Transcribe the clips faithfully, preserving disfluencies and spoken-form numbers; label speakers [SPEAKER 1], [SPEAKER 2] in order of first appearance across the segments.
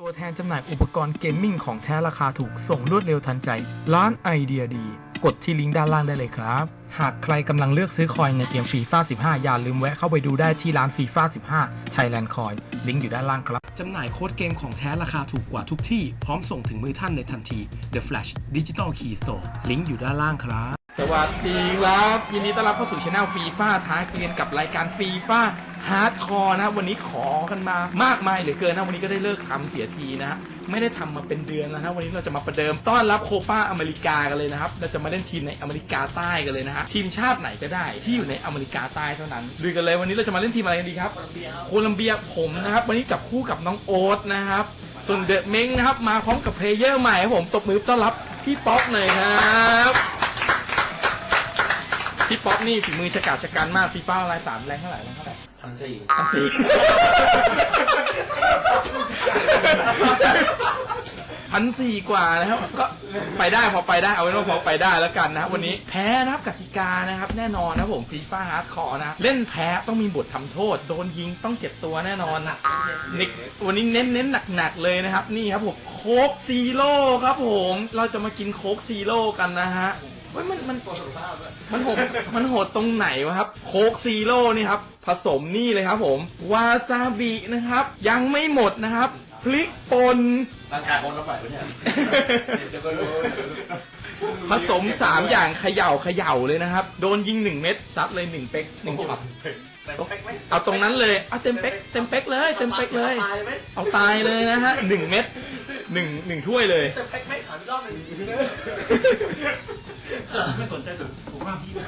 [SPEAKER 1] ตัวแทนจำหน่ายอุปกรณ์เกมมิ่งของแท้ราคาถูกส่งรวดเร็วทันใจร้านไอเดียดีกดที่ลิงก์ด้านล่างได้เลยครับหากใครกำลังเลือกซื้อคอยในเกมฟีฟ่าสิบห้าอย่าลืมแวะเข้าไปดูได้ที่ร้านฟีฟ่าสิบห้า Thailand Coin ลิงก์อยู่ด้านล่างครับจำหน่ายโค้ดเกมของแท้ราคาถูกกว่าทุกที่พร้อมส่งถึงมือท่านในทันที The Flash Digital Key Store ลิงก์อยู่ด้านล่างครับสวัสดีครับยินดีต้อนรับเข้าสู่ช่องฟีฟ่าท้าเกรียนกับรายการฟีฟ่าฮาร์ดคอร์นะวันนี้ขอกันมามากมายเหลือเกินนะวันนี้ก็ได้เลิกทำเสียทีนะฮะไม่ได้ทำมาเป็นเดือนแล้วนะวันนี้เราจะมาประเดิมต้อนรับโคปาอเมริกากันเลยนะครับเราจะมาเล่นทีมในอเมริกาใต้กันเลยนะฮะทีมชาติไหนก็ได้ที่อยู่ในอเมริกาใต้เท่านั้นดูกันเลยวันนี้เราจะมาเล่นทีมอะไรกันดีครับโคลัมเบียผมนะครับวันนี้จับคู่กับน้องโอ๊ตนะครับส่วนเดอะเม้งนะครับมาพร้อมกับเพลเยอร์ใหม่ครับผมตบมือต้อนรับพี่ป๊อกหน่อยครับพี่ป๊อกนี่ฝีมือฉกาจฉกันมากฟีฟ่าอะไรสามแรงเท่าไหร่แรงเท่าไหร่พันสี่พันสี่พันสี่กว่านะครับก็ไปได้พอไปได้เอาไว้ว่าพอไปได้แล้วกันนะครับวันนี้แพ้นะครับกติกานะครับแน่นอนนะผมฟีฟ่าฮาร์ดคอร์นะเล่นแพ้ต้องมีบททำโทษโดนยิงต้องเจ็บตัวแน่นอนนะนิกวันนี้เน้นเน้นหนักๆเลยนะครับนี่ครับผมโค้กซีโร่ครับผมเราจะมากินโค้กซีโร่กันนะฮะว่ามันมันมันโหดมันโหดตรงไหนวะครับโค้กซีโร่นี่ครับผสมนี่เลยครับผมวาซาบินะครับยังไม่หมดนะครับพริกป่นร่างกายคนละฝ่ายปะเนี่ยผสมสามอย่างเขย่าเขย่าเลยนะครับโดนยิงหนึ่งเม็ดซัดเลยหนึ่งเป๊กหนึ่งช็อตเอาตรงนั้นเลยเอาเต็มเป๊กเต็มเป๊กเลยเต็มเป๊กเลยเอาตายเลยนะฮะหนึ่งเม็ดหนึ่งหนึ่งถ้วยเลยเต็มเป๊กไม่ถามอีกรอบหนึ่งไม่สนใจถูกมากพี่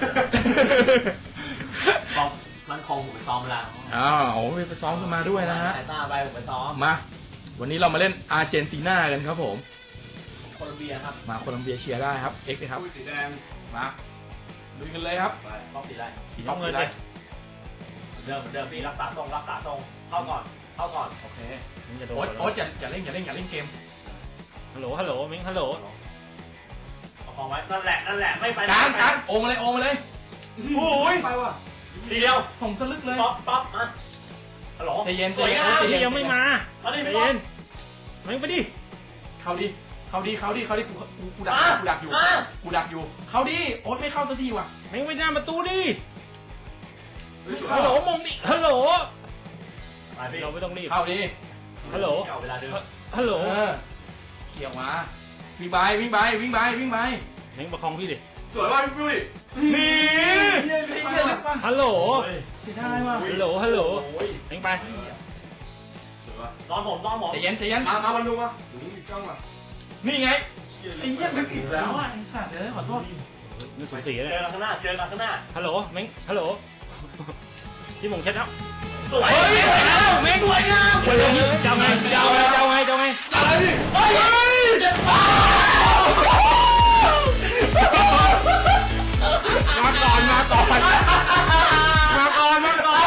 [SPEAKER 2] บอกร้านคงผมไปซ้อมแล้ว
[SPEAKER 1] อ้าวโอ้ยไปซ้อมกันมาด้วยนะฮะ
[SPEAKER 2] สายตาไปผมไปซ้อม
[SPEAKER 1] มาวันนี้เรามาเล่นอาร์เจนตินากันครับผม
[SPEAKER 2] โคลอมเบียครับ
[SPEAKER 1] มาโคลอมเบียเชียร์ได้ครับเอ็กซ์ครับ
[SPEAKER 2] สีแดง
[SPEAKER 1] มาลุยกันเลยครับ
[SPEAKER 2] บล็อกสีอะไร
[SPEAKER 1] สีน้ำเงินเลย
[SPEAKER 2] เดิมเดิมพี่รักษาทรงรักษาทรงเข้าก่อนเข้าก่อน
[SPEAKER 1] โอเคโอ๊ตโอ๊ตอย่าอย่าเล่นอย่าเล่นอย่าเล่นเกมฮัลโหลฮัลโหลมิงฮัลโหล
[SPEAKER 2] เอาของไว้นั่นแหละนั่นแหละไม่ไป
[SPEAKER 1] การการโอมาเลยโอมาเลย
[SPEAKER 2] โอ้ยไปว่ะทีเดียว
[SPEAKER 1] ส่งสลึกเลย
[SPEAKER 2] ป๊อปป๊อปอ่ะฮัลโหล
[SPEAKER 1] ใจเย็นใจเย็นใจเย็น
[SPEAKER 2] ยังไม่มา
[SPEAKER 1] ใจเย็นไม่ไปดิเข้าดิเข้าดิเข้าดิเข้าดิกูกูกูดักกูดักอยู่กูดักอยู่เข้าดิโอ๊ตไม่เข้าสักทีว่ะไม่ไปหน้าประตูดิฮัลโหลมงดิฮัลโหลเราไม่ต้องรีบเข้าดิฮัลโหล
[SPEAKER 2] เวลาเดิม
[SPEAKER 1] ฮัลโหลเขี่ยวมาวิ่งไปวิ่งไปวิ่งไปวิ่งไปเน่งประคองพี่ดิ
[SPEAKER 2] สวยมากพี่ปุ้ย
[SPEAKER 1] นี่ฮัลโหลเสียดายว่ะฮัลโหลฮัลโหลเน่งไป
[SPEAKER 2] ซ้อมผมซ้อมผม
[SPEAKER 1] ใจเย็นใจเย็น
[SPEAKER 2] มามามาดูมาดูอีกจ้องมา
[SPEAKER 1] นี่ไงไอ้เหี้ยลึกอีกแล้วอ่ะไอ้สัตว์เอ้ยขอโทษ
[SPEAKER 2] นึกสวยสีเลยเจอกันข้างหน้าเจอกันข้างหน้า
[SPEAKER 1] ฮัลโหลเม้งฮัลโหลพี่มงเช็ดแล้ว
[SPEAKER 2] สวย
[SPEAKER 1] เม้งสวยงามเจ้าไงเจ้าไงเจ้าไงเจ้าไง
[SPEAKER 2] อะไรดิเฮ้ยเจ็บป
[SPEAKER 1] มาก่อนมาก่อนมาก่อนมาก่อน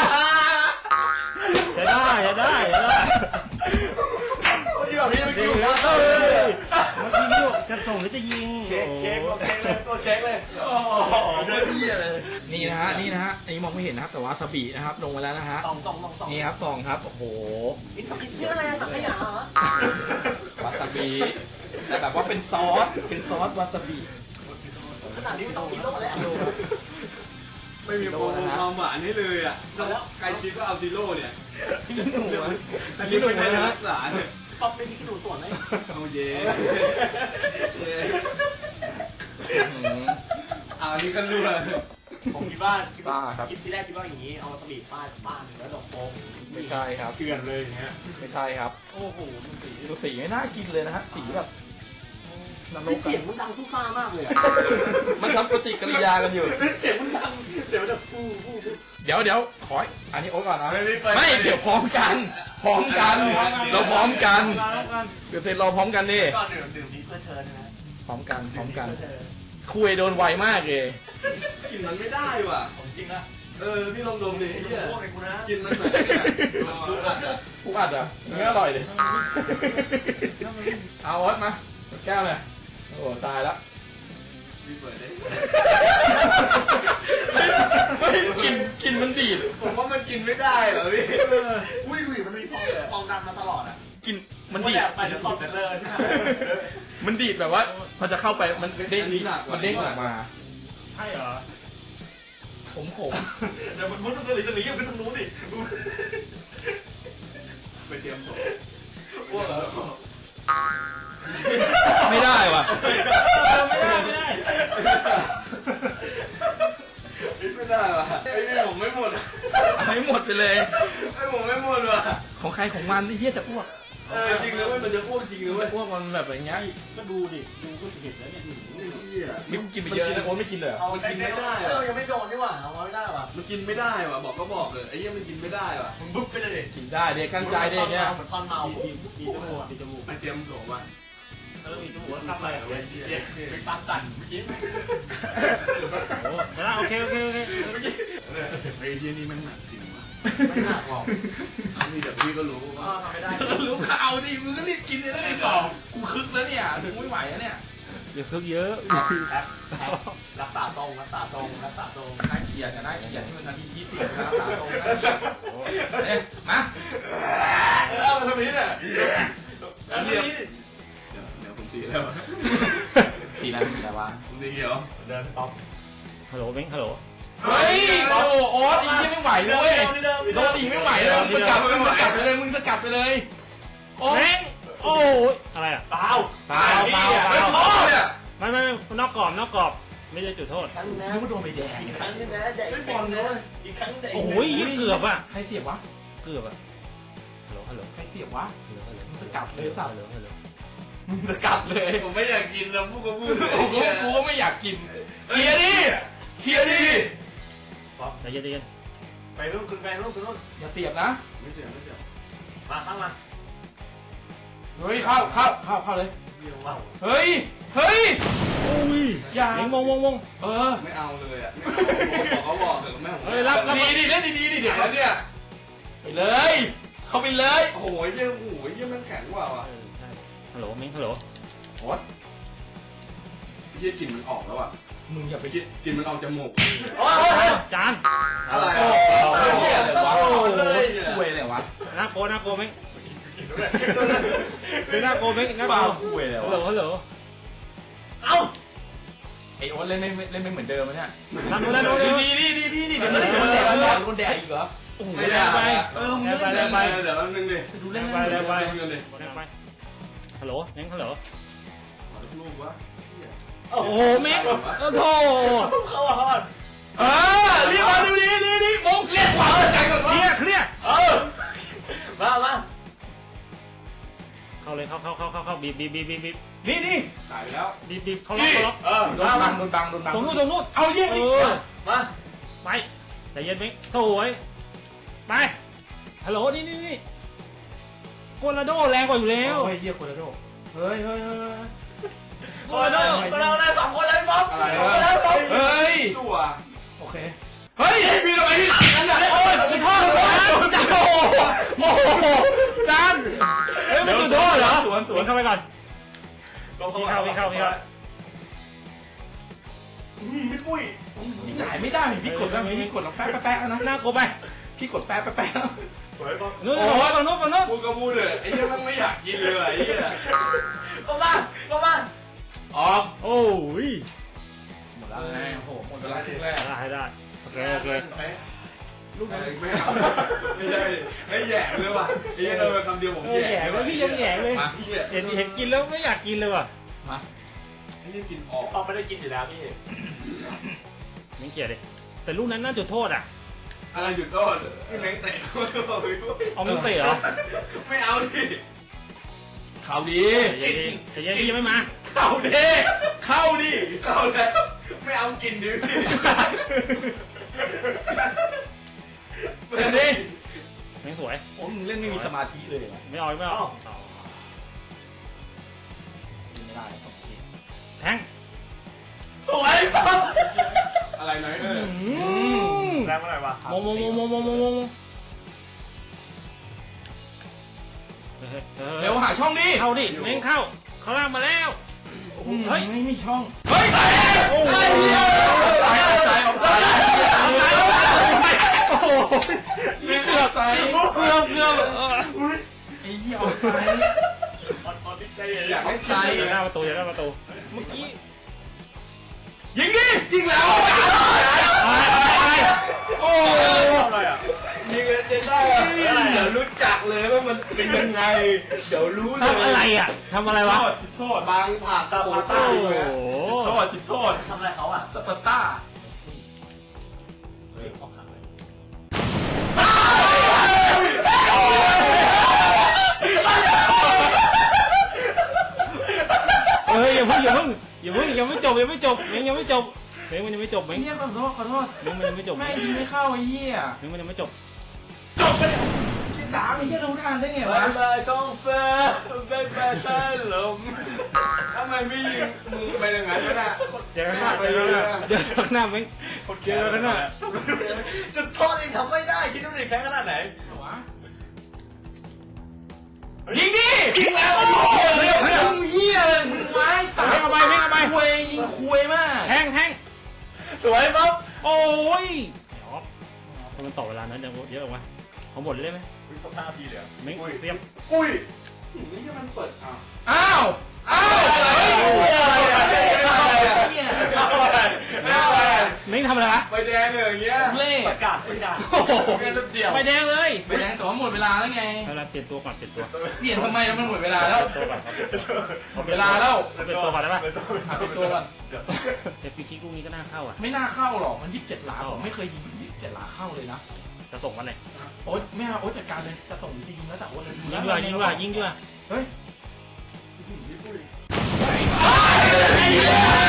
[SPEAKER 1] จะได้จะได้จะได้
[SPEAKER 2] ที่แบบนี้ไม่กิน
[SPEAKER 1] แล้วเฮ้ยเมื่อกี้นี่จะส่งหรือจะยิง
[SPEAKER 2] เช็คเช็คโอเคเลยตัวเช็คเลยโอ้โหเจ๊พี่เลย
[SPEAKER 1] นี่นะฮะนี่นะฮะอันนี้มองไม่เห็นนะครับแต่ว่าสบีนะครับลงมาแล้วนะฮะ
[SPEAKER 2] สองสองสองสอง
[SPEAKER 1] นี่ครับสองครับโอ้โห
[SPEAKER 2] นี่สักเยอะอะไรสักขยะเหรอ
[SPEAKER 1] วาซาบิแต่แบบว่าเป็นซอสเป็นซอสวาซาบิ
[SPEAKER 2] ขนาดนี้ไม่ต้องซีโร่แล้ว
[SPEAKER 3] ไม่มีความหวานให้เลยอ่ะแล้วใครคิดว่าเอาซีโร่เนี่ยอันนี้เป็นการรักษาเนี่ย
[SPEAKER 2] ป๊อปเป็นที่ดูส่วนไหม
[SPEAKER 3] เอาเย่เอาอันนี้ก็รู้เลย
[SPEAKER 2] ผมคิดว่าคลิปที่แรกคิดว่าอย่างนี้เอาสบีป้าบ้านแล้วดอกโป๊ก
[SPEAKER 1] ไม่ใช่ครับ
[SPEAKER 2] เกลื่อนเลยอย่างเงี้ย
[SPEAKER 1] ไม่ใช่ครับโอ้โหสีดูสีไม่น่ากินเลยนะฮะสีแบบ
[SPEAKER 2] เสียงมันดังซุ่ซ่ามากเลย
[SPEAKER 1] มันทำปฏิกิริยากันอยู่
[SPEAKER 2] เสียงมันดังเสียงมันจะฟูฟู
[SPEAKER 1] เดี๋ยวเดี๋ยวขออันนี้โอ๊ตก่อนนะไม่เดี๋ยวพร้อมกันพร้อมกันเราพร้อมกันเดี๋ยวเสร็จเราพร้อมกันดิ
[SPEAKER 2] ก็ดื่มดื่มนี้เพื่อเธอนะ
[SPEAKER 1] พร้อมกันพร้อมกันคุยโดนไวมากเลย
[SPEAKER 3] กินมันไม่ได้ว่ะ
[SPEAKER 2] ของจริงนะ
[SPEAKER 3] เออพี่ลองดมดิเนี่ยกินมันเหมือน
[SPEAKER 1] ผู้อัดอ่ะผู้อัดอ่ะเนื้ออร่อยเลยเอาโอ๊ตมาแก้วเลยโอ้ตายแล้ว
[SPEAKER 3] พี่เปิดได้
[SPEAKER 1] กินกินมันดีด
[SPEAKER 3] ผมว่ามันกินไม่ได้เหรอพี่
[SPEAKER 2] อุ้ยอุ้ยมันมีฟองฟองดำมาตลอดอ่ะ
[SPEAKER 1] กินมันดีด
[SPEAKER 2] ไปจะตบกันเลยใช่ไหม
[SPEAKER 1] มันดีดแบบว่าพอจะเข้าไปมันเด้งมันเด้งออกมา
[SPEAKER 2] ใช่เหรอ
[SPEAKER 1] ผมผม
[SPEAKER 2] เดี๋ยวมันมุดตรงนี้ตรงนี้ยังไปทางนู้นดิ
[SPEAKER 3] ไปเตรียมศพ
[SPEAKER 2] อ้วกเหรอ
[SPEAKER 1] ไม่ได้ว่ะ
[SPEAKER 2] ไม่ได้ไม่ได้
[SPEAKER 3] ไม่ได้ว่ะไอ้นี่ผมไม่หมด
[SPEAKER 1] ให้หมดไปเลย
[SPEAKER 3] ไอ้ผมไม่หมดว่ะ
[SPEAKER 1] ของใครของมันไอ้เหี้ยจะอ้วก
[SPEAKER 3] เออจริงเลยเว้ยมันจะอ้วกจริงเลยเว้ย
[SPEAKER 1] อ้วกมันแบบอย่างเงี้ย
[SPEAKER 2] ก็ดูดิดูก็เห็นแล้วเนี่ย
[SPEAKER 1] มิกกินไปเยอะนะโอ๊ตไม่กินเลยเหรอ
[SPEAKER 2] เอากินไม่ได้เออยังไม่โดนนี่หว่าเอาไม่ได้ว่ะ
[SPEAKER 3] มันกินไม่ได้ว่ะบอกก็บอกเลยไอ้เหี้ยมันกินไม่ได้ว่ะ
[SPEAKER 2] มึงบุ๊บไปเลยดิ
[SPEAKER 1] กินได้เด็กกั้นใจเด็กเนี่ย
[SPEAKER 2] เหมือนตอนเมาปีปีจมูกปีจมูก
[SPEAKER 3] ไปเตรียมศพว่ะ
[SPEAKER 2] เออปีจมูกแล้วทำอะไรอ่ะเว้ยเป็นปากสั่นเมื่อกี้
[SPEAKER 4] โอ้แล้วโอเคโอเคโอเค
[SPEAKER 3] ไอ้เหี้ยนี่มันหนักจริงว่ะ
[SPEAKER 2] ไม่หนักหรอก
[SPEAKER 3] นี่เดี๋ยวพี่ก็รู้
[SPEAKER 2] ก็
[SPEAKER 3] ว่า
[SPEAKER 2] ทำไม่ได้
[SPEAKER 1] รู้ข่าวดิมึงก็รีบกินเลยนะไอ้กล่องกูคึกแล้วเนี่ยถึงไม่ไหวแล้วเนี่ย
[SPEAKER 4] อย่าคึกเยอะ
[SPEAKER 2] แอปแอปรักษาทรงรักษาทรงรักษาทรง
[SPEAKER 1] น่าเกลียดนะน่าเกลียดที่มันนาทียี่สิบนะรักษาตรงเอ๊ะมา
[SPEAKER 2] เอาทำนี้เนี่ยอันนี้
[SPEAKER 3] เดี๋ยวเดี๋ยวผมสีแล้ว
[SPEAKER 1] สีอะไรสีอะไรวะ
[SPEAKER 3] ผมสีเขียว
[SPEAKER 2] เดินต๊อป
[SPEAKER 4] ฮัลโหลเม้งฮัลโหล
[SPEAKER 1] เฮ้ยโอ้โอ๊ตอีกไม่ไหวเลยเว้ยโดนอีกไม่ไหวเลยมึงสกัดไปมึงสกัดไปเลยมึงสกัดไปเลยโอ๊ต
[SPEAKER 4] เม้งโอ้ยอะไรอ่ะ
[SPEAKER 2] เปล่า
[SPEAKER 4] เปล่าเปล่าเป
[SPEAKER 3] ไม่
[SPEAKER 4] ล่า
[SPEAKER 3] พอเนี่ย
[SPEAKER 4] ไม่ไม่นอกกรอบนอกกรอบไม่ใช่จุดโทษ
[SPEAKER 2] ครั้งนะ
[SPEAKER 1] มึงก็โดนไปแดง
[SPEAKER 2] อีกครั้งนึงนะอีกครั้งนะอีกครั้งนึง
[SPEAKER 4] โอ้ยเกือบอ่ะ
[SPEAKER 1] ใครเสียบวะ
[SPEAKER 4] เกือบอ่ะฮัลโหลฮัลโหล
[SPEAKER 1] ใครเสียบวะ
[SPEAKER 4] ฮัลโหลฮัลโหล
[SPEAKER 1] มึงสกัดเลยสัตว์
[SPEAKER 4] ฮัลโหลฮัลโหล
[SPEAKER 1] มึงสกัดเลย
[SPEAKER 3] ผมไม่อยากกินนะพูดก็พูดเลย
[SPEAKER 1] กูก็กูก็ไม่อยากกินเคลียร์ดิเคลียร์ดิ
[SPEAKER 4] ใจเย็นใจเย็น
[SPEAKER 2] ไปรุ่นขึ้นไปรุ่นขึ้นรุ่น
[SPEAKER 1] อย่าเสียบนะ
[SPEAKER 3] ไม่เสียไม่เสีย
[SPEAKER 2] มาข้างมา
[SPEAKER 1] เฮ้ยเข้าเข้าเข้าเข้าเลย
[SPEAKER 2] เดี๋ยวว่า
[SPEAKER 1] เฮ้ยเฮ้ย
[SPEAKER 4] โอ้ย
[SPEAKER 1] อย่า
[SPEAKER 4] เม้งวงวงวง
[SPEAKER 1] เออ
[SPEAKER 3] ไม่เอาเลยอ่ะไม่เอาบอกเขาบอกเถอะแม่ผม
[SPEAKER 4] เฮ้ยรับรับ
[SPEAKER 1] ดีดิเล่นดีๆดิเดี๋ยว
[SPEAKER 3] แล้วเนี่ย
[SPEAKER 1] ไปเลย เข้าไปเลย
[SPEAKER 3] โอ้โหเยี่ยมโอ้โหเยี่ยมมันแข็งกว่าว่ะ
[SPEAKER 4] เออใช่ฮัลโหลเม้งฮัลโหล
[SPEAKER 1] โอ๊ต
[SPEAKER 3] เยี่ยกลิ่นมันออกแล้วอ่ะ
[SPEAKER 1] มึงอย่าไป
[SPEAKER 3] กลิ่นกลิ่นมันออกจมูก
[SPEAKER 2] โอ้ย
[SPEAKER 4] จาน
[SPEAKER 3] อะไร
[SPEAKER 1] โอ้
[SPEAKER 3] อ่ะ
[SPEAKER 1] โหเหี้ยอะไรวะ
[SPEAKER 3] โอ้
[SPEAKER 1] โอ้
[SPEAKER 3] โห
[SPEAKER 1] โห
[SPEAKER 3] เลย
[SPEAKER 1] คุยอะไรวะ
[SPEAKER 4] น่ากลัวน่ากลัวเม้งคือน่ากลัวเม้งน่าก
[SPEAKER 1] บ้า
[SPEAKER 4] ลัว
[SPEAKER 1] คุยอะไร
[SPEAKER 4] ฮัลโหล
[SPEAKER 1] วะ
[SPEAKER 4] ฮัลโหล
[SPEAKER 2] เอ้า
[SPEAKER 1] ไอโอ๊ตเล่นไม่เล่นไม่เหมือนเดิมเนี่ย
[SPEAKER 4] นั่นนู่นนั่นนู่น
[SPEAKER 1] ดีดีดีดีดีเดี๋ยวมันโดนแดดโดนโดนแดดอีกเหรอ
[SPEAKER 4] โอ้โห
[SPEAKER 3] ไม่
[SPEAKER 4] แร
[SPEAKER 3] ได้
[SPEAKER 4] งไป
[SPEAKER 1] เออมึง
[SPEAKER 4] แรง
[SPEAKER 1] เล่
[SPEAKER 4] ไป
[SPEAKER 1] น
[SPEAKER 4] แรงไป
[SPEAKER 3] เดี๋ยวแป๊บนึงดิ
[SPEAKER 1] ดูเล่น
[SPEAKER 4] ไปแรงไป
[SPEAKER 3] ดูกันดิ
[SPEAKER 4] แรงไปฮัลโหลเม้งฮัลโหล
[SPEAKER 3] ขอลูกวะ
[SPEAKER 4] โอ้โหเม้งโอ้โห
[SPEAKER 2] เข้าฮอด
[SPEAKER 1] เออเรียกมาดูดีดีดีมงเรียกขวาใจก่อน
[SPEAKER 4] เค
[SPEAKER 1] วะ
[SPEAKER 4] ลียร์เคลียร์
[SPEAKER 1] เออ
[SPEAKER 2] มามา
[SPEAKER 4] เข้าเลยเข้าเข้าเข้าเข้าเข้าบีบบีบบีบบีบบีบ
[SPEAKER 1] นี่นี่
[SPEAKER 3] ตายไปแล้ว
[SPEAKER 4] บีบบีบเขาล็อกเขาล็อก
[SPEAKER 2] เออ
[SPEAKER 1] โดนบังโดนบังโดนบัง
[SPEAKER 4] ตรงนู้นตรงนู้น
[SPEAKER 1] เอาเยี่ยม
[SPEAKER 4] เอ
[SPEAKER 1] ดิ
[SPEAKER 4] อ
[SPEAKER 2] มา
[SPEAKER 4] ไปใจเย็นเม้งสวยไปฮัลโหลนี่นี่นี่โกลาโดแรงกว่าอยู่แล้ว
[SPEAKER 1] เฮ้ยเยี่ยโคโรโดเฮ้ยเฮ้ยเฮ้ย
[SPEAKER 4] โกลาโด
[SPEAKER 2] เราได้สองคนเลยป๊อป
[SPEAKER 3] อะไร
[SPEAKER 2] เรา
[SPEAKER 3] วะ
[SPEAKER 2] ได้สอง
[SPEAKER 1] เฮ้ย
[SPEAKER 3] ตัว
[SPEAKER 1] โอเคเฮ้ยพี่ทำไมพี่อันไหนโอ้ย
[SPEAKER 4] จุดโทษจานจานโอ้โหโอ้โหจานเฮ้ยมันจุดโทษเหรอ
[SPEAKER 1] สวนสว
[SPEAKER 4] วิ่
[SPEAKER 1] น
[SPEAKER 4] งเข้าไปก่อนวิ่งเข้าวิ่งเข้าวิ่งเข้า
[SPEAKER 3] ไม่ปุ้ย
[SPEAKER 1] พี่จ่ายไม่ได้พี่กดแล้วพี่กดแล้วแป๊ะแป๊ะแล้วนะ
[SPEAKER 4] หน้ากูไป
[SPEAKER 1] พี่กดแป๊ะแป๊ะแล้ว
[SPEAKER 2] สวยป๊อป
[SPEAKER 4] นู้นฝั่งนู้นฝั่งนู้น
[SPEAKER 3] พูดก็พูดเลยไอ้เหี้ยมันไม่อยากกินเลยไอ้เหี้ย
[SPEAKER 2] ก็มาก็มา
[SPEAKER 1] ออก
[SPEAKER 4] โอ้ย
[SPEAKER 1] หมดแล้วไงโอ้โหหมดเวลาครึ่งแรก
[SPEAKER 4] ได้ได้โอเคโอเค
[SPEAKER 3] ลูกไม่เอาไม่ใช่ไอ้แย่เลยว่ะไอ้เหี้ยเราคำเดียวผม
[SPEAKER 4] เออ
[SPEAKER 3] แย่
[SPEAKER 4] แหย่แล้วพี่ยังแหย่เลย
[SPEAKER 3] มาพี่
[SPEAKER 4] เห็นเห็นกินแล้วไม่อยากกินเลยว่ะ
[SPEAKER 1] มา
[SPEAKER 3] ไอ้เหี้ยกินออก
[SPEAKER 2] ป๊อปไม่ได้กินอยู่แล้วพี่
[SPEAKER 4] ไม่เกลียดเลยแต่ลูกนั้นน่าจุดโทษอ่ะ
[SPEAKER 3] อะไรหยุดโทษพี่แมงเตะเขาเลยบอกพี่ปุ้ย
[SPEAKER 4] เอาไม่เตะเหรอ
[SPEAKER 3] ไม่เอาดิ
[SPEAKER 1] เข้าดี
[SPEAKER 4] ใจเย็นใจเย็นพี่ยังไม่มา
[SPEAKER 1] เข้าดีเข้าดิ
[SPEAKER 3] เข้าแล้วไม่เอากินดิพี่
[SPEAKER 1] เล่นดิ
[SPEAKER 4] ไม่สวย
[SPEAKER 1] โอ้มึงเล่นไม่มีสมาธิเลย
[SPEAKER 4] ไม่เอาไม่เอา
[SPEAKER 1] ไม่ได้สองที
[SPEAKER 4] แทง
[SPEAKER 1] สวยปั๊บ
[SPEAKER 3] อะไรไหนเออ
[SPEAKER 2] แรงเมื่อไหร่วะ
[SPEAKER 4] มงมงมงมงมงมงมง
[SPEAKER 1] เร็วหาช่องดิ
[SPEAKER 4] เข้าดิเม้งเข้าเขาล่างมาแล้วเฮ้ย
[SPEAKER 1] ไม่มีช่องเฮ้ยไอ้โอ้ยสายสายของสาย
[SPEAKER 4] โอ้โหเกือบเกือบเกือบ
[SPEAKER 1] ไอ้เหี้ยออกไป
[SPEAKER 3] อยากให้
[SPEAKER 4] ใช่
[SPEAKER 3] ใช่
[SPEAKER 4] อย่าหน้าประตูอย่าหน้าประตูเมื่อกี้
[SPEAKER 3] ยิงดิยิงแล้ว
[SPEAKER 4] โอ้
[SPEAKER 2] อะไรอ่ะ
[SPEAKER 3] ยิงเจนได้เดี๋ยวรู้จักเลยว่ามันเป็นยังไงเดี๋ยวรู้เลย
[SPEAKER 4] ทำอะไรอ่ะทำอะไรวะ
[SPEAKER 3] โทษบางผ่าสปาร์ต้า
[SPEAKER 4] โอ้โห
[SPEAKER 3] โทษจิตโทษ
[SPEAKER 2] ทำอะไรเขาอ่ะ
[SPEAKER 3] สปาร์ต้า
[SPEAKER 2] เฮ้ยออกขังเลย
[SPEAKER 4] เฮ้ยอย่าเพิ่งอย่าเพิ่งอย่าเพิ่งยังไม่จบยังไม่จบเม้งยังไม่จบเม้งมันยังไม่จบเม้ง
[SPEAKER 1] เฮียขอโทษขอโทษ
[SPEAKER 4] เม้งมันยังไม่จบ
[SPEAKER 1] แม่งยิงไม่เข้าไอ้เฮีย
[SPEAKER 4] เม้งมันยังไม่จบ
[SPEAKER 3] จบไปเลยชิ้นสาม
[SPEAKER 1] ไอ้เฮียรู้ทันได้ไง
[SPEAKER 3] ไป
[SPEAKER 1] วะ
[SPEAKER 3] เลยช่องเฟร์เป็นแฟชั่นลมทำไมไม่ยิงมือไปอย่างนั้นวะน่ะ
[SPEAKER 4] เจอกันหน้าเจอกันหน้าเจอกันหน้าเม้งเจอกันหน้า
[SPEAKER 2] จุดโทษเองทำไม่ได้คิดดูดิแพ้ขนาดไหน
[SPEAKER 1] วะ
[SPEAKER 3] ยิงดิยิงแล้วเฮียเลยเฮียเลย
[SPEAKER 1] ไม้ตา
[SPEAKER 4] เม้งเอาไปเม้งเอาไป
[SPEAKER 1] คุยยิงคุยมาก
[SPEAKER 4] แทงแทง
[SPEAKER 3] สวยปั๊บ
[SPEAKER 4] โอ้ยมันต่อเวลานั้นเยอะออกมาเขาหมดเลยไหม
[SPEAKER 2] คุณสักห้าทีเลย
[SPEAKER 4] เม้งเตรียม
[SPEAKER 3] อุ้ยนี่ก็มันเปิดอ้าว
[SPEAKER 1] อ้าวอ้าวเฮ้ยเฮีย
[SPEAKER 4] เม้งทำอะไรวะ
[SPEAKER 3] ไฟแดงเลยอย่างเงี้ย
[SPEAKER 1] เล่
[SPEAKER 2] ประกาศไม่ได้
[SPEAKER 4] โอ้โห
[SPEAKER 2] แค่รูปเดียว
[SPEAKER 4] ไปแดงเลย
[SPEAKER 1] ไปแดงแต่ว่าหมดเวลาแล้วไง
[SPEAKER 4] เอาละเปลี่ยนตัวก่อนเปลี่ยนตัว
[SPEAKER 1] เปลี่ยนทำไมแล้วมันหมดเวลาแล้ว
[SPEAKER 4] เปลี่ยนตัวก่อนครับ
[SPEAKER 1] หมดเวลาแล้ว
[SPEAKER 4] เปลี่ยนตัวก่อนได้ปะ
[SPEAKER 1] หาเป็นตัวก่อน
[SPEAKER 4] แต่ฟรีคิกลูกนี้ก็น่าเข้าอ่ะ
[SPEAKER 1] ไม่น่าเข้าหรอกมันยี่สิบเจ็ดหลาผมไม่เคยยิงยี่สิบเจ็ดหลาเข้าเลยนะ
[SPEAKER 4] จะส่งวันไหน
[SPEAKER 1] โอ๊ตไม่เอาโอ๊ตจัดการเลยจะส่งจริงๆแล้วแต่โอ๊ตเลย
[SPEAKER 4] ยิงดีกว่ายิงดีกว่ายิงดีกว่า
[SPEAKER 1] เฮ้ย
[SPEAKER 4] ไม่ยิง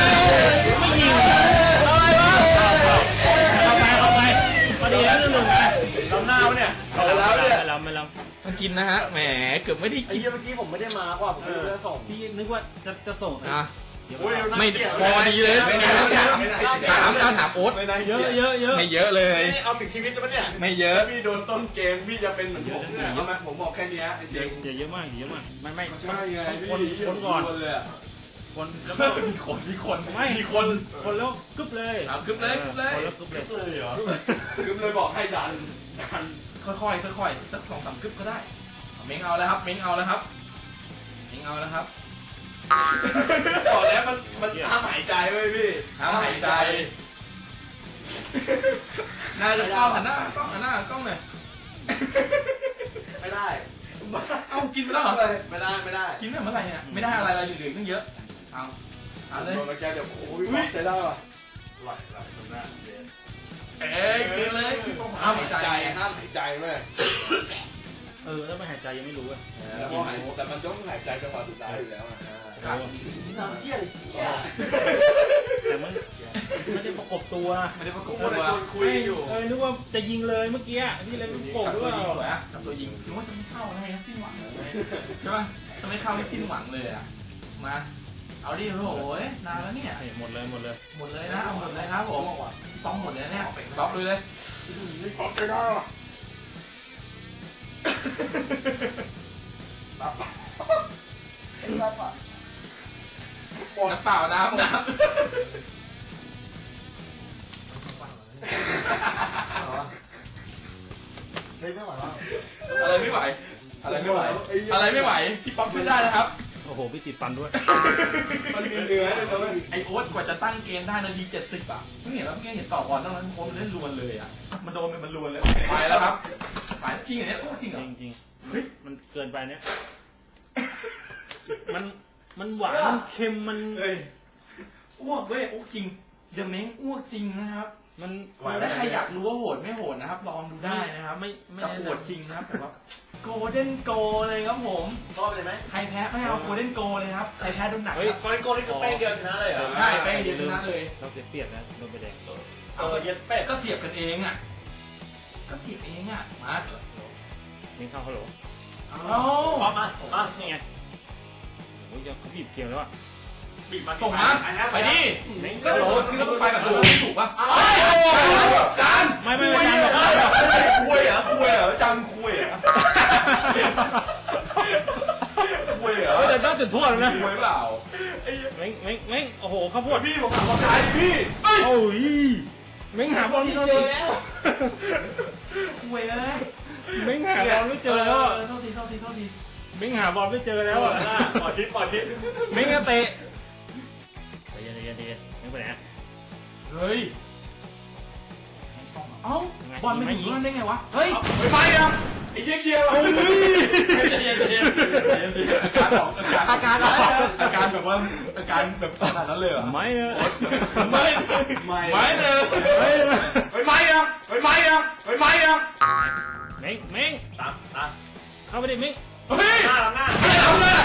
[SPEAKER 4] อะไรวะเอาไปเอาไปพอดีแล้วหนึ่งหนึ่งไป
[SPEAKER 2] ลำหน้าวะเนี่ย
[SPEAKER 3] เอาแล้วเนี่ย
[SPEAKER 4] ไม่ลำไม่ล
[SPEAKER 1] มันกินนะฮะแหมเกือบไม่ได้
[SPEAKER 2] ไอ้เหี้ยเมื่อกี้ผมไม่ได้มากว่าผมไม่ได้ส่ง
[SPEAKER 4] ำพี่นึกว่าจะจะส่ง
[SPEAKER 1] อ่ะ
[SPEAKER 4] เดี๋ยว
[SPEAKER 2] โอ้ย
[SPEAKER 1] ไม่พอดีเลย
[SPEAKER 3] ไม่ได้ไม่ได้ไม่ได้
[SPEAKER 1] ถามเอาถามโอ๊ต
[SPEAKER 3] ไม่ได้
[SPEAKER 4] เยอะเยอะเยอะ
[SPEAKER 1] ไม่เยอะเลย
[SPEAKER 2] นี่เอาถึงชีวิตแล้วปะเนี่ย
[SPEAKER 1] ไม่เยอะ
[SPEAKER 3] พี่โดนต้นเกมพี่จะเป็นเหมือนผมเนี่ยใช่ไหมผมบอกแค่นี้ไอ้
[SPEAKER 4] เย
[SPEAKER 3] เจ๊
[SPEAKER 4] อะ
[SPEAKER 3] ง
[SPEAKER 4] เยอะมากเยอะมากไม่ไม่
[SPEAKER 3] ใช่ไงพี่
[SPEAKER 4] คนคนก่อน
[SPEAKER 3] เลยอ่ะ
[SPEAKER 4] คนแล้วก็
[SPEAKER 1] มีคนมีคน
[SPEAKER 4] ไม่มีคนคนแล้วกึ๊บเลย
[SPEAKER 1] เอากึ๊บเลยกึ๊บเลย
[SPEAKER 4] คนแล้วกึ๊บเลย
[SPEAKER 2] เลยเหรอ
[SPEAKER 3] คือเลยบอกให้ดันดัน
[SPEAKER 1] ค่อยๆค่อยๆสักสองสามกึ๊บก็ได้เม้งเอาแล้วครับเม้งเอาแล้วครับเม้งเอาแล้วครับ
[SPEAKER 3] บอกแล้วมันมันห้ามหายใจไว้พี่
[SPEAKER 1] ห้ามหายใจน่าจะกล้องหันหน้ากล้องหันหน้ากล้องหน่อย
[SPEAKER 2] ไม่ได้
[SPEAKER 1] เอากินไปแล้วเหรอ
[SPEAKER 2] ไม่ได้ไม่ได้
[SPEAKER 1] กินไปเมื่อไหร่เนี่ยไม่ได้อะไรเราอยู่เหลือตั้งเยอะเอาเอาเลย
[SPEAKER 3] โดนมาแกเดี๋ยวโอ้ยบอกใช้ได้ป่ะ
[SPEAKER 2] ไหลไหลตรงหน้าเรียน
[SPEAKER 1] เอ้ยกินเลยห้า
[SPEAKER 3] ห้าม ม
[SPEAKER 1] หา
[SPEAKER 3] หาย ย
[SPEAKER 1] ใจ
[SPEAKER 3] ใจห้ามหายใจเว้ย
[SPEAKER 4] เออแล้วไม่หายใจยังไม่รู้อ่ะ
[SPEAKER 3] แล้วพอหายแต่มันต้องหายใจจังหวะสุดท้ายอยู่แล้วอ่ะ
[SPEAKER 1] ครับ
[SPEAKER 2] น้ำเหี้ยอะไรเหี้ย
[SPEAKER 4] แต่มันไม่ได้ประกบตัว
[SPEAKER 1] ไม่ได้ประก
[SPEAKER 2] กู
[SPEAKER 1] บ
[SPEAKER 2] มา
[SPEAKER 1] ตัว
[SPEAKER 2] ชวนคุยอยู่
[SPEAKER 4] เออนึกว่าจะยิงเลยเมื่อกี้นี่เลยประกบ
[SPEAKER 1] กับ
[SPEAKER 4] ด้
[SPEAKER 1] ตัว
[SPEAKER 4] วย
[SPEAKER 1] ยิงสวยอะกับตัวยิงคิดว่าจะไม่เข้าทำไมสิ้นหวังเลยใช่ป่ะจะไม่เข้าไม่สิ้นหวังเลยอะมาเอาดิโอ้โหนานแล้วเนี่ย
[SPEAKER 4] หมดเลยหมดเลย
[SPEAKER 1] หมดเลยนะเอาหมดเลยครับผมต้องหมดเลยเนี่ยต๊อปเลยเลย
[SPEAKER 3] พร้อมใช้ได้ป่ะ
[SPEAKER 1] น้ำเปล่าน้ำน้ำ
[SPEAKER 2] เฮ้ยไม่ไหวแล้ว
[SPEAKER 1] อะไรไม่ไหวอะไรไม่ไหวอะไรไม่ไหวพี่ป๊อปช่วยได้นะครับ
[SPEAKER 4] โอ้โหพี่ติดฟันด้วย
[SPEAKER 3] มันมีเนื้อเลยนะเว้ย
[SPEAKER 1] ไอโอ๊ตกว่าจะตั้งเกมได้นาทีเจ็ดสิบอ่ะเพิ่งเห็นแล้วเพิ่งเห็นต่อบอลตอนนั้นโอ๊ตมันเล่นลวนเลยอ่ะมันโดนมันลวนเลยไปแล้วครับไปจริงเหรอเนี่ยโอ้จริงเหรอ
[SPEAKER 4] จริงจริงเฮ้ยมันเกินไปเนี่ยมันมันหวานมันเค็มมัน
[SPEAKER 1] เฮ้ยอ้วกเว้ยอ้วกจริงเดอะเม้งอ้วกจริงนะครับ
[SPEAKER 4] มัน
[SPEAKER 1] ถ้าใครอยากรู้ว่าโหดไม่โหดนะครับลองดูได้นะครับ
[SPEAKER 4] ไม่ไม่
[SPEAKER 1] แต่
[SPEAKER 4] แนะ
[SPEAKER 1] โหด
[SPEAKER 4] นำ
[SPEAKER 1] จริงนะครับแต่ว่าโกลเด้นโกเลยครับผม
[SPEAKER 2] ชอบเลยไหม
[SPEAKER 1] ใครแพ้ไม่เอาโกลเด้นโกเลยครับใครแพ้โดนหนัก
[SPEAKER 2] เฮ้ย
[SPEAKER 1] ครับ
[SPEAKER 2] กอนโกนี่คือแป้งเดียวชนะเลยเหรอ
[SPEAKER 1] ใช่แป้งเดียวชนะเลย
[SPEAKER 4] เราเสียเปรียบนะโดนไปแดง
[SPEAKER 2] เออเย็ดเป็ด
[SPEAKER 1] ก็เสียบกันเองอ่ะก็เสียบเองอ่ะมา
[SPEAKER 4] ยิงเข้าฮัลโหล
[SPEAKER 1] เอา
[SPEAKER 2] พร้อมมาผมมา
[SPEAKER 4] นี่ไงโอ้ยยังเขาบีบเกมแล้วอ่ะ
[SPEAKER 2] บีบมา
[SPEAKER 1] ส่งมาไปดิก็โหลนี่ก็ต้องไปแบบโหลถูกป่ะ
[SPEAKER 3] จาน
[SPEAKER 4] ไม่ไม่ไม่จานบอก
[SPEAKER 3] คุยเหรอคุยเหรอจานคุยเหรอคุยเหรอ
[SPEAKER 4] แต่น่าจุดโทษนะ
[SPEAKER 3] คุยเปล่า
[SPEAKER 4] เม้งเม้งเม้งโอ้โหข้าวโพด
[SPEAKER 3] พี่ผมถามว่าใครพี่
[SPEAKER 4] โอ้ยเม้งหาบอลไม่เจอ
[SPEAKER 1] คุยเลย
[SPEAKER 4] เม้งหาบอลไม่เจอแล้ว
[SPEAKER 1] โทษทีโทษทีโทษที
[SPEAKER 4] เม้มิงหาบอลไม่เจอแล้วอ่ะ
[SPEAKER 2] ปอชิปปอชิป
[SPEAKER 4] มิงก็เตะใจเย็นใจเย็นใจเย็นมิงไปไหน
[SPEAKER 2] เฮ้ย
[SPEAKER 4] เอ้า
[SPEAKER 2] บอลไม่ถึงนั่นได้ไงวะ
[SPEAKER 4] เฮ้ย
[SPEAKER 2] ไม่ไปอ่ะไอ้เหี้ยเคียร์ใจเย็นใจเย็นอาการออกอาการออกอาการแบบว่าอาการแบบขนาดนั้นเลยเหรอ
[SPEAKER 4] ไม่เนอะ
[SPEAKER 2] ไม่ไม่ไม่เลย
[SPEAKER 4] ไม่เนอะ
[SPEAKER 2] ไม่ไม่อ่ะไม่ไม่อ่ะไม่ไม่อ่ะ
[SPEAKER 4] มิงมิง
[SPEAKER 2] ตามตาม
[SPEAKER 4] เข้าไปดิมิง
[SPEAKER 2] เฮ้ยหน้าหน้า
[SPEAKER 3] ไม่ทำเลย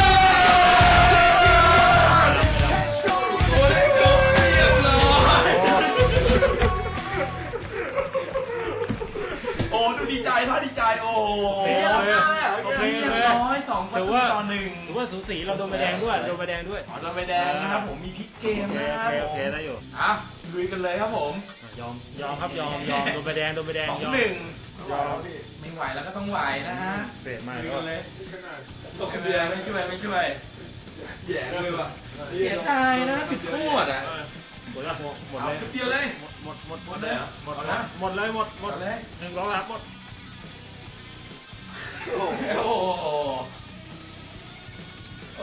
[SPEAKER 3] โอ้ดูดีใจท่าดีใจโอ้
[SPEAKER 4] โอเคโอเค
[SPEAKER 3] เรียบร้อยสองประ
[SPEAKER 4] ถือ
[SPEAKER 3] ตู
[SPEAKER 4] ว่า
[SPEAKER 3] ต่อหนึ่ง
[SPEAKER 4] ถือว่าสูสีเราโดนใบแดงด้วยโดนใบแดงด้วย
[SPEAKER 3] อ๋อเราไปแดงนะครับผมมีพลิกเกม
[SPEAKER 4] โอเค
[SPEAKER 3] นะ
[SPEAKER 4] โอ
[SPEAKER 3] ครับ
[SPEAKER 4] เคโอเคได้อยู่
[SPEAKER 3] อ่ะลุยกันเลยครับผม
[SPEAKER 4] ยอมยอมครับยอมยอมโดนใบแดงโดนใบแดง
[SPEAKER 3] สอง
[SPEAKER 4] ยอม
[SPEAKER 3] หนึ่งไม่ไหวแล้วก็ต้องไหวนะฮะ
[SPEAKER 4] เสียมาก
[SPEAKER 3] ลุย
[SPEAKER 4] ก็
[SPEAKER 3] กันเลยตกเบียร์ไม่ช่วยไม่ช่วยแย่เลยว่ะเสียดายนะจุดโทษอ่ะ
[SPEAKER 4] หมดแล้วหมดหมด
[SPEAKER 3] เอา
[SPEAKER 4] เลย
[SPEAKER 3] จุดเดียวเลย
[SPEAKER 4] หมดหมดห
[SPEAKER 3] ห
[SPEAKER 4] ม
[SPEAKER 3] ม
[SPEAKER 4] ด
[SPEAKER 3] ด
[SPEAKER 4] เล
[SPEAKER 3] เลย ยเหรอ
[SPEAKER 4] หมดแล้วหมดเลยหมดหมด
[SPEAKER 3] หมดเลย
[SPEAKER 4] หนึ่งร้อยรับหมด
[SPEAKER 3] โอ้โหโอ้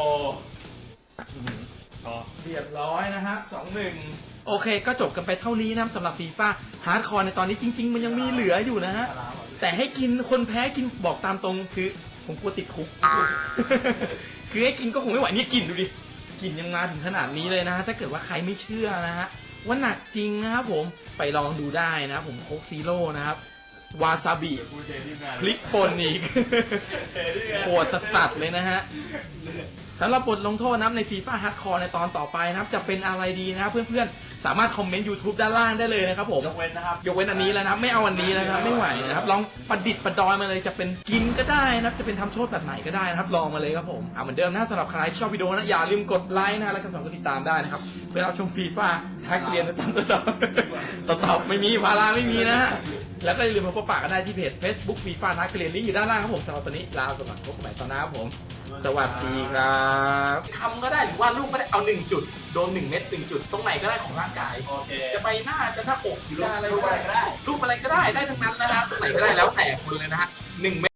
[SPEAKER 4] พอ
[SPEAKER 3] เรียบร้อยนะฮะสองหนึ่งโอเคก็จบกันไปเท่านี้นะสำหรับฟีฟ่าฮาร์ดคอร์ในตอนนี้จริง ๆ มันยังมีเหลืออยู่นะฮะแต่ให้กินคนแพ้กินบอกตามตรงคือผมกลัวติดคุก คือให้กินก็คงไม่ไหวนี่กินดูดิกินยังมาถึงขนาดนี้เลยนะฮะถ้าเกิดว่าใครไม่เชื่อนะฮะว่าหนักจริงนะครับผมไปลองดูได้นะครับผมโค้กซีโร่นะครับวาซาบิพลิกป่นอีก โหดสัสๆเลยนะฮะสำหรับบทลงโทษนะครับในฟีฟ่าฮาร์ดคอร์ในตอนต่อไปนะครับจะเป็นอะไรดีนะครับเพื่อนๆสามารถคอมเมนต์ YouTube ด้านล่างได้เลยนะครับผม
[SPEAKER 2] ยกเว้นนะครับ
[SPEAKER 3] ยกเว้นอันนี้แล้วนะครับไม่เอาอันนี้นะครับไม่ไหวนะครับลองประดิษฐ์ประดอยมาเลยจะเป็นกินก็ได้นะครับจะเป็นทำโทษแบบไหนก็ได้นะครับลองมาเลยครับผมอ่าเหมือนเดิมนะสำหรับใครที่ชอบวิดีโอนะอย่าลืมกดไลค์นะแล้วก็สองกดติดตามได้นะครับเพื่อรับชมฟีฟ่าทักเรียนตามต่อต่อต่อไม่มีพาราไม่มีนะฮะแล้วก็อย่าลืมมาพบปะกันได้ที่เพจ Facebook ฟีฟ่าทักเรียนลิงก์อยู่ด้านล่างครับผมสำหรับตอนนี้ลาไปก่อนพบกันใหม่ตอนหน้าครับผมสวัสดีครับทำก็ได้หรือว่าลูกก็ได้เอาหนึ่งจุดโดนหนึ่งเม็ดหนึ่งจุดตรงไหนก็ได้ของร่างกาย
[SPEAKER 2] โอเค
[SPEAKER 3] จะไปหน้าจะหน้าอกหรือจะอะไรก็ได้รูปอะไรก็ได้ได้ทั้งนั้นนะฮะตรงไหนก็ได้แล้วแต่คนเลยนะฮะหนึ่งเม็ด